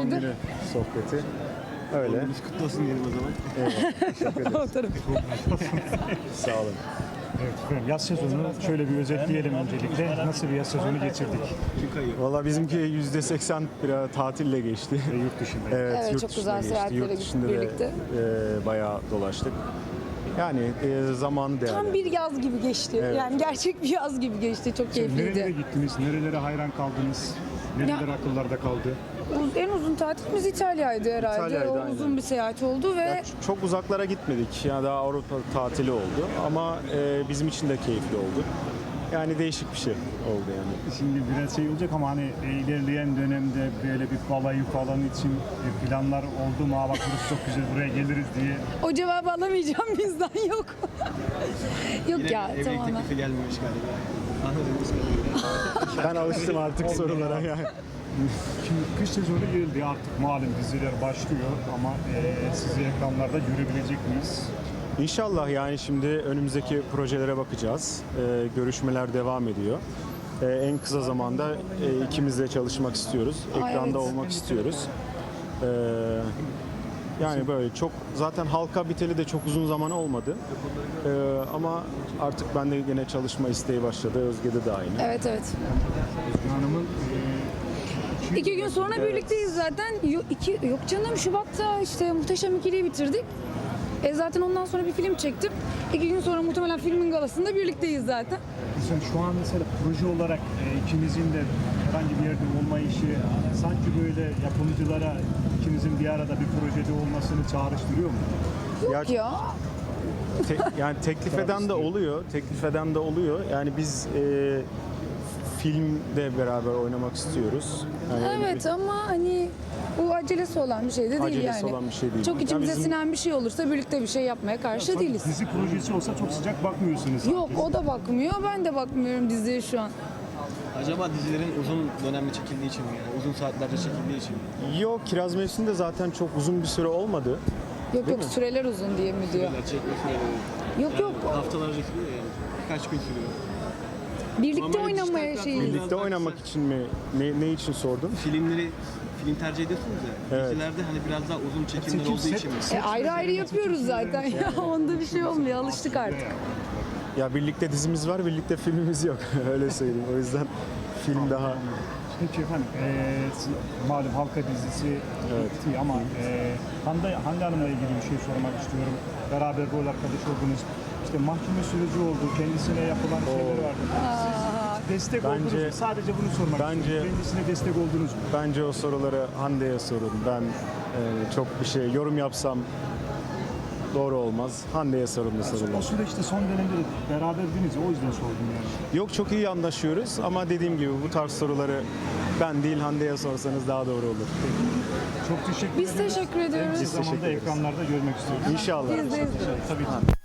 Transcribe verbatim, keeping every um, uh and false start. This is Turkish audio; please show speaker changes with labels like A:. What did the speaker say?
A: doğum
B: muydu?
A: günü sohbeti. Öyle.
C: Biz kutlu olsun diyelim o zaman.
A: Eyvallah. Teşekkür ederiz.
B: O taraf.
A: Sağ olun.
D: Evet efendim, yaz sezonunu şöyle bir özetleyelim öncelikle. Nasıl bir yaz sezonu geçirdik?
A: Valla bizimki yüzde seksen biraz tatille geçti.
D: Ve yurt dışında.
A: Evet,
B: Evet,
A: yurt
B: çok
A: dışına
B: güzel
A: geçti.
B: seyahatlere
A: Yurt
B: gittik
A: dışında
B: birlikte.
A: da e, bayağı dolaştık. Yani e, zaman değerli.
B: Tam bir yaz gibi geçti.
A: Evet.
B: Yani gerçek bir yaz gibi geçti. Çok
D: Nerelere
B: keyifliydi.
D: gittiniz? Nerelere hayran kaldınız? Nereler
B: Ya-
D: akıllarda kaldı?
B: Uz- En uzun tatilimiz İtalya'ydı herhalde.
A: İtalya'ydı,
B: o
A: aynen.
B: uzun bir seyahat oldu ve
A: Ya ç- çok uzaklara gitmedik. Yani daha Avrupa tatili oldu. Ama e, bizim için de keyifli oldu. Yani değişik bir şey oldu yani.
D: Şimdi biraz şey olacak ama hani e, ilerleyen dönemde böyle bir balayı falan için e, planlar oldu mu? Aa bak burası çok güzel, buraya geliriz diye.
B: o cevabı alamayacağım bizden yok. yok
C: Yine
B: ya
C: evlilik
B: tamamen.
C: teklifi gelmemiş galiba. Anladığımız kadarıyla.
A: Ben alıştım artık sorulara yani.
D: Şimdi kış sezonu geldi, artık malum diziler başlıyor ama e, sizi ekranlarda görebilecek miyiz?
A: İnşallah yani şimdi önümüzdeki projelere bakacağız. Ee, görüşmeler devam ediyor. Ee, en kısa zamanda e, ikimiz de çalışmak istiyoruz.
B: Aa,
A: Ekranda
B: evet.
A: olmak istiyoruz. Ee, yani böyle çok zaten halka biteli de çok uzun zaman olmadı. Ee, ama artık bende yine çalışma isteği başladı. Özge'de de aynı.
B: Evet evet.
D: Özgün Hanım'ın e,
B: İki gün sonra birlikteyiz zaten. Yok, iki, yok canım Şubat'ta işte Muhteşem İkili'yi bitirdik. E zaten ondan sonra bir film çektim. İki gün sonra muhtemelen filmin galasında birlikteyiz zaten.
D: Sen şu an mesela proje olarak e, ikinizin de herhangi bir yerde olma işi sanki böyle yapımcılara ikinizin bir arada bir projede olmasını çağrıştırıyor mu?
B: Yok ya.
A: Te- yani teklif eden de oluyor. Teklif eden de oluyor. Yani biz e, filmde beraber oynamak istiyoruz. Yani
B: Evet ama hani bu acelesi olan bir şey de değil
A: Acelesi
B: yani.
A: olan bir şey değil.
B: Çok
A: Yani
B: içimize
A: bizim-
B: sinen bir şey olursa birlikte bir şey yapmaya karşı
D: Sanki
B: değiliz.
D: Dizi projesi olsa çok sıcak bakmıyorsunuz sanki.
B: Yok o da bakmıyor, ben de bakmıyorum diziye şu an.
C: Acaba dizilerin uzun dönemli çekildiği için mi yani? Uzun saatlerce çekildiği için mi?
A: Yok, Kiraz Mevsim de zaten çok uzun bir süre olmadı.
B: Yok yok
A: mi?
B: süreler uzun diye mi diyor.
C: Süreler, çekme süreleri.
B: Yok yok
C: Haftalarca sürüyor yani. Birkaç gün sürüyor.
B: birlikte
C: Normalde
B: oynamaya
C: dijital
B: şeyi.
C: platform-
A: Birlikte oynamak için mi? Ne, ne için sordun?
C: Filmleri film tercih ediyorsunuz ya.
A: Evet.
C: Dizilerde hani biraz daha uzun çekimler
D: Çekim,
C: olduğu
D: set-
C: için mi?
B: E, ayrı ayrı yapıyoruz zaten ya. Onda bir şey olmuyor, alıştık artık.
A: Ya birlikte dizimiz var, birlikte filmimiz yok. Öyle söyleyeyim. O yüzden film daha...
D: Peki efendim, e, malum halka dizisi bitti ama e, Hande, Hande Hanım'la ilgili bir şey sormak istiyorum. Beraber rol arkadaş oldunuz. İşte mahkeme süreci oldu, kendisine yapılan şeyler vardı. Siz destek
A: Bence-
D: oldunuz mu? Sadece bunu sormak
A: bence-
D: istiyorum. Kendisine destek oldunuz mu?
A: Bence o soruları Hande'ye sorun. Ben e, çok bir şey yorum yapsam doğru olmaz. Hande'ye sorun bu
D: O
A: sorular.
D: süreçte son dönemde de beraberdiniz, o yüzden sordum yani.
A: Yok, çok iyi anlaşıyoruz ama dediğim gibi bu tarz soruları ben değil Hande'ye sorsanız daha doğru olur.
D: Çok teşekkür
B: Biz
D: ederim.
B: teşekkür ediyoruz.
D: En
A: Biz
D: kısa zamanda
A: teşekkür ederiz.
D: ekranlarda görmek istiyoruz.
A: İnşallah.
B: Biz de
D: Tabii ki.